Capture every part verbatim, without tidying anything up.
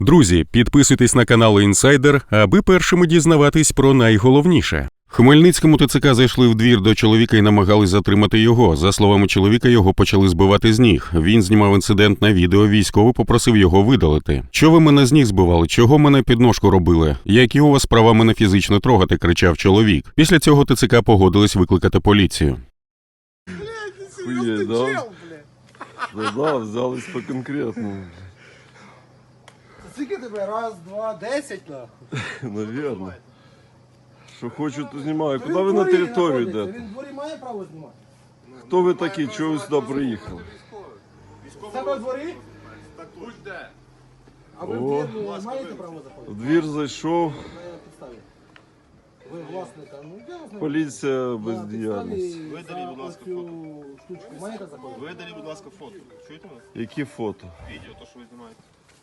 Друзі, підписуйтесь на канал Інсайдер, аби першими дізнаватись про найголовніше. В Хмельницькому ТЦК зайшли в двір до чоловіка і намагались затримати його. За словами чоловіка, його почали збивати з ніг. Він знімав інцидент на відео, військовий попросив його видалити. «Що ви мене з ніг збивали? Чого мене під ножку робили? Які у вас права мене фізично трогати?» – кричав чоловік. Після цього ТЦК погодились викликати поліцію. Хуєть, да? Да, да, взялись по конкретному. Скільки тебе? Раз, два, десять, нахуй? Навірно. Що хочу, то знімаю. Куди ви на територію йдете? Він в дворі має право знімати? Хто ви такі? Чого ви сюди приїхали? Себе в дворі? Будь-де. А ви в О. двір не маєте право заходити? В двір зайшов, На підставі. Ви власника, ну я знаю. поліція бездіяльність. Видаліть, будь ласка, фото. Штучку маєте заходити? Видаліть, будь ласка, фото. Чуєте мене? Які фото? Відео, то, що ви знімаєте.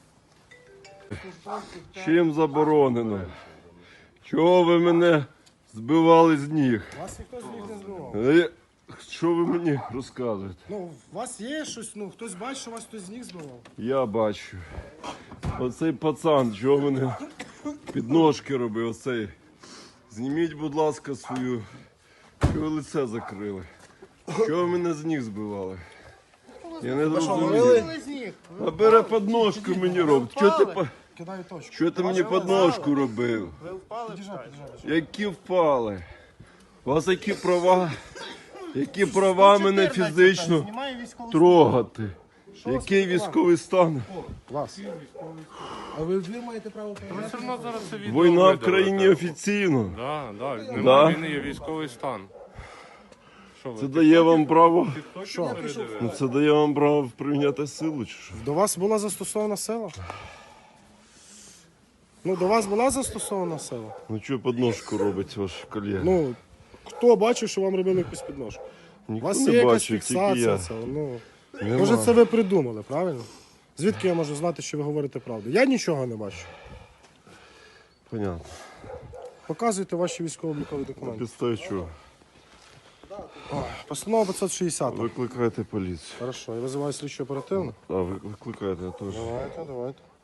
Чим заборонено? Чого ви мене збивали з ніг? Вас ніхто з них не збивав. Е, Що ви мені розказуєте? Ну, у вас є щось, ну, хтось бачить, що вас хтось з них збивав? Я бачу. Оцей пацан, чого мене підножки робив, оцей. Зніміть, будь ласка, свою. Чого ви лице закрили? Чого ви мене з ніг збивали? Я не зрозумів. з них. А бере підножку мені робить. Чого ти, по- Кидаю точку. чого ти мені підножку робив? Ви впали? Підіжджай, підіжджай. Які впали? У вас які права? Які права мене фізично Знімає військовий трогати? Який військовий стан? Вас. А ви в двір маєте право перевіряти? Все одно зараз це відео Війна в видалите. країні офіційно. Да, да, Да? немає війни, є військовий стан. Що ви? Це дає вам право? Що? Передивили? Ну, це дає вам право прийняти силу чи що? До вас була застосована сила? Ну, до вас була застосована сила? Ну чого підножку робить ваш колега? Ну, хто бачив, що вам робили якусь підножку? У Ніхто вас не є якась бачив, тільки фіксація я. цього. Ну, Нема. може, це ви придумали, правильно? Звідки я можу знати, що ви говорите правду? Я нічого не бачу. Понятно. Показуйте ваші військово-облікові документи. Підставі чого? Постанова п'ятсот шістдесят. Викликайте поліцію. Хорошо, я визиваю слідчу оперативно. А, ви- викликайте, я теж. Давайте, давайте.